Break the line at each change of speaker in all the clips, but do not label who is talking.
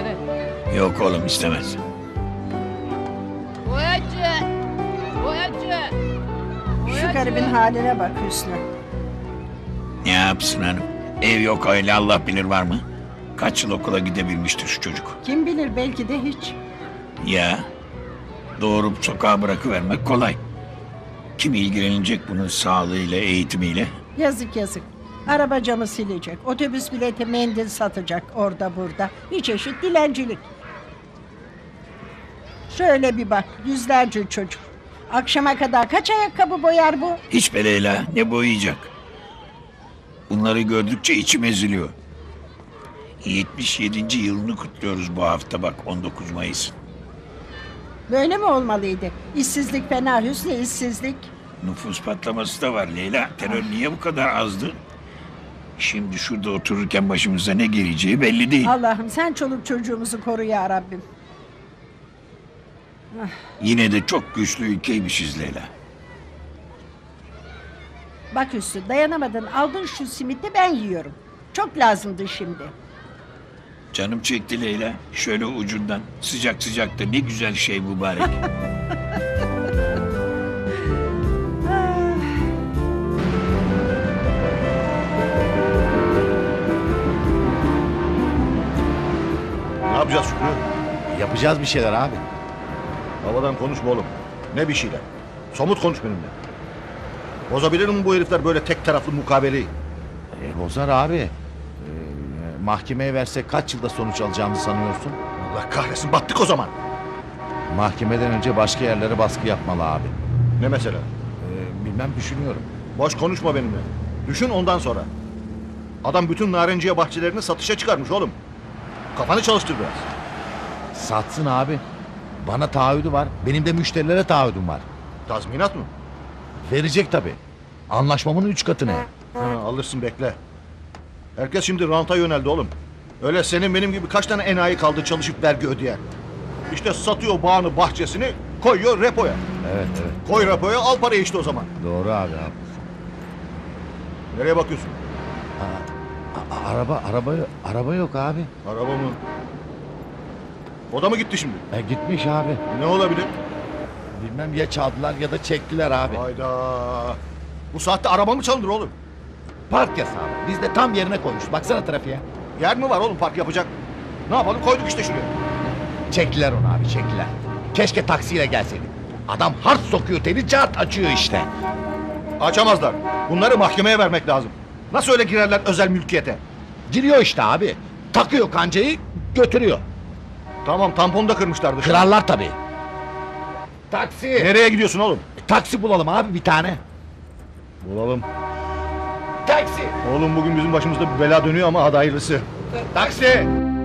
dede.
Yok oğlum istemez.
Boyacı. Boyacı.
Şu garibin haline bak Hüsnü.
Ne yapsın hanım? Ev yok öyle Allah bilir var mı? Kaç yıl okula gidebilmiştir şu çocuk.
Kim bilir belki de hiç.
Ya doğurup sokağa bırakıvermek kolay. Kim ilgilenecek bunun sağlığıyla, eğitimiyle?
Yazık yazık. Araba camı silecek. Otobüs bileti mendil satacak orada burada. Bir çeşit dilencilik. Şöyle bir bak yüzlerce çocuk. Akşama kadar kaç ayakkabı boyar bu?
Hiç be Leyla, ne boyayacak? Bunları gördükçe içim eziliyor. 77. yılını kutluyoruz bu hafta bak 19 Mayıs.
Böyle mi olmalıydı? İşsizlik fena Hüsnü, işsizlik.
Nüfus patlaması da var Leyla. Terör niye bu kadar azdı? Şimdi şurada otururken başımıza ne geleceği belli değil.
Allah'ım sen çoluk çocuğumuzu koru ya Rabbim.
Yine de çok güçlü ülkeymişiz Leyla.
Bak Hüsnü dayanamadın aldın şu simiti ben yiyorum. Çok lazımdı şimdi.
Canım çekti Leyla. Şöyle ucundan sıcak sıcak da ne güzel şey mübarek.
Ne yapacağız Şükrü?
Yapacağız bir şeyler abi.
Havadan konuşma oğlum. Ne bir şeyler? Somut konuş benimle. Bozabilir mi bu herifler böyle tek taraflı mukabeleyi?
Bozar abi. Mahkemeye versek kaç yılda sonuç alacağımızı sanıyorsun?
Allah kahretsin battık o zaman.
Mahkemeden önce başka yerlere baskı yapmalı abi.
Ne mesela?
Bilmem düşünüyorum.
Boş konuşma benimle. Düşün ondan sonra. Adam bütün narenciye bahçelerini satışa çıkarmış oğlum. Kafanı çalıştır biraz.
Satsın abi. Bana taahhüdü var. Benim de müşterilere taahhüdüm var.
Tazminat mı?
Verecek tabii. Anlaşmamın 3 katını.
Ha, alırsın bekle. Herkes şimdi ranta yöneldi oğlum. Öyle senin benim gibi kaç tane enayi kaldı çalışıp vergi ödeyen. İşte satıyor bağını bahçesini koyuyor repoya.
Evet.
Koy repoya al parayı işte o zaman.
Doğru abi.
Nereye bakıyorsun?
Araba yok abi.
Araba mı? O da mı gitti şimdi?
Gitmiş abi.
Ne olabilir?
Bilmem ya çaldılar ya da çektiler abi.
Hayda. Bu saatte araba mı çalınır oğlum?
Park yasağı. Biz de tam yerine koymuş. Baksana trafiğe.
Yer mi var oğlum park yapacak? Ne yapalım koyduk işte şuraya.
Çektiler onu abi çektiler. Keşke taksiyle gelseydik. Adam hard sokuyor teli cart açıyor işte.
Açamazlar. Bunları mahkemeye vermek lazım. Nasıl öyle girerler özel mülkiyete?
Giriyor işte abi. Takıyor kancayı götürüyor.
Tamam tamponu da kırmışlar dışarı.
Kırarlar tabii. Taksi.
Nereye gidiyorsun oğlum?
Taksi bulalım abi bir tane.
Bulalım.
Taksi.
Oğlum bugün bizim başımızda bir bela dönüyor ama hadi hayırlısı.
Taksi.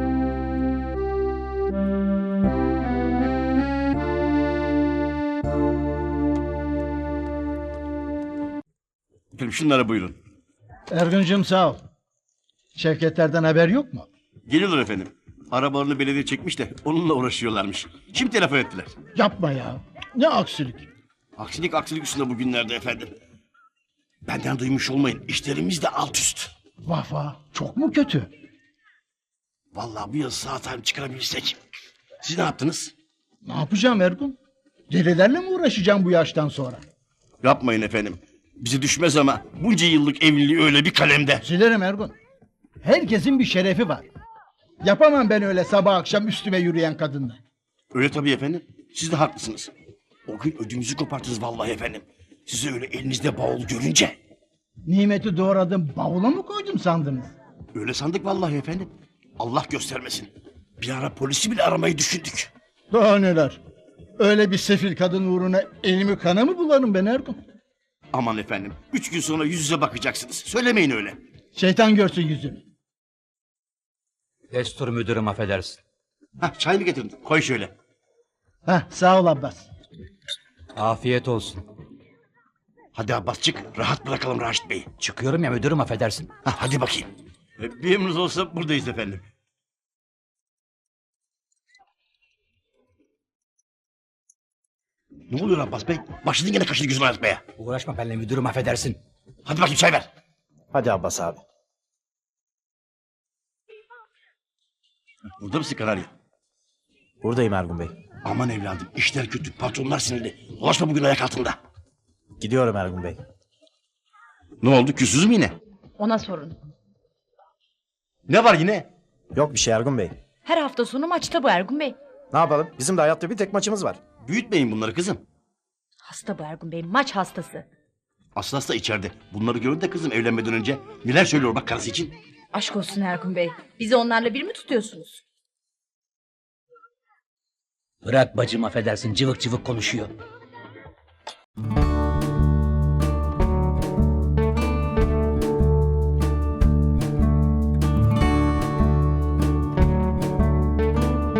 Efendim şunlara buyurun.
Ergun'cum sağ ol. Şevketlerden haber yok mu?
Geliyorlar efendim. Arabalarını belediye çekmiş de onunla uğraşıyorlarmış. Şimdi telefon ettiler.
Yapma ya. Ne aksilik.
Aksilik üstünde bugünlerde efendim. Benden duymuş olmayın. İşlerimiz de alt üst.
Vah vah. Çok mu kötü?
Vallahi bu yıl sağ salim çıkarabilsek. Siz ne yaptınız?
Ne yapacağım Ergun? Delilerle mi uğraşacağım bu yaştan sonra?
Yapmayın efendim. Bize düşmez ama bunca yıllık evliliği öyle bir kalemde.
Silerim Ergun. Herkesin bir şerefi var. Yapamam ben öyle sabah akşam üstüme yürüyen kadınla.
Öyle tabii efendim. Siz de haklısınız. O gün ödümüzü kopartırız vallahi efendim. Sizi öyle elinizde bavul görünce.
Nimeti doğradım bavula mı koydum sandınız?
Öyle sandık vallahi efendim. Allah göstermesin. Bir ara polisi bile aramayı düşündük.
Daha neler. Öyle bir sefil kadın uğruna elimi kana mı bularım ben Ergun?
Aman efendim. 3 gün sonra yüz yüze bakacaksınız. Söylemeyin öyle.
Şeytan görsün yüzünü.
Destur müdürüm affedersin.
Hah çay mı getirdin? Koy şöyle.
Heh, sağ ol Abbas.
Afiyet olsun.
Hadi Abbas çık. Rahat bırakalım Raşit Bey'i.
Çıkıyorum ya müdürüm affedersin.
Hah, hadi bakayım. Bir emriniz olsa buradayız efendim. Ne oluyor Abbas Bey? Başladın gene kaşını gözünü açmaya.
Uğraşma benimle müdürüm affedersin.
Hadi bakayım çay ver.
Hadi Abbas abi.
Burada mısın Kanarya?
Buradayım Ergun Bey.
Aman evladım işler kötü. Patronlar sinirli. Dolaşma bugün ayak altında.
Gidiyorum Ergun Bey.
Ne oldu? Küsüz mü yine?
Ona sorun.
Ne var yine?
Yok bir şey Ergun Bey.
Her hafta sonu maçta bu Ergun Bey.
Ne yapalım? Bizim de hayatta bir tek maçımız var.
Büyütmeyin bunları kızım.
Hasta bu Ergun Bey, maç hastası.
Aslas da içeride. Bunları gördü de kızım evlenmeden önce. Neler söylüyor bak karısı için.
Aşk olsun Ergun Bey. Bizi onlarla bir mi tutuyorsunuz?
Bırak bacım affedersin cıvık cıvık konuşuyor.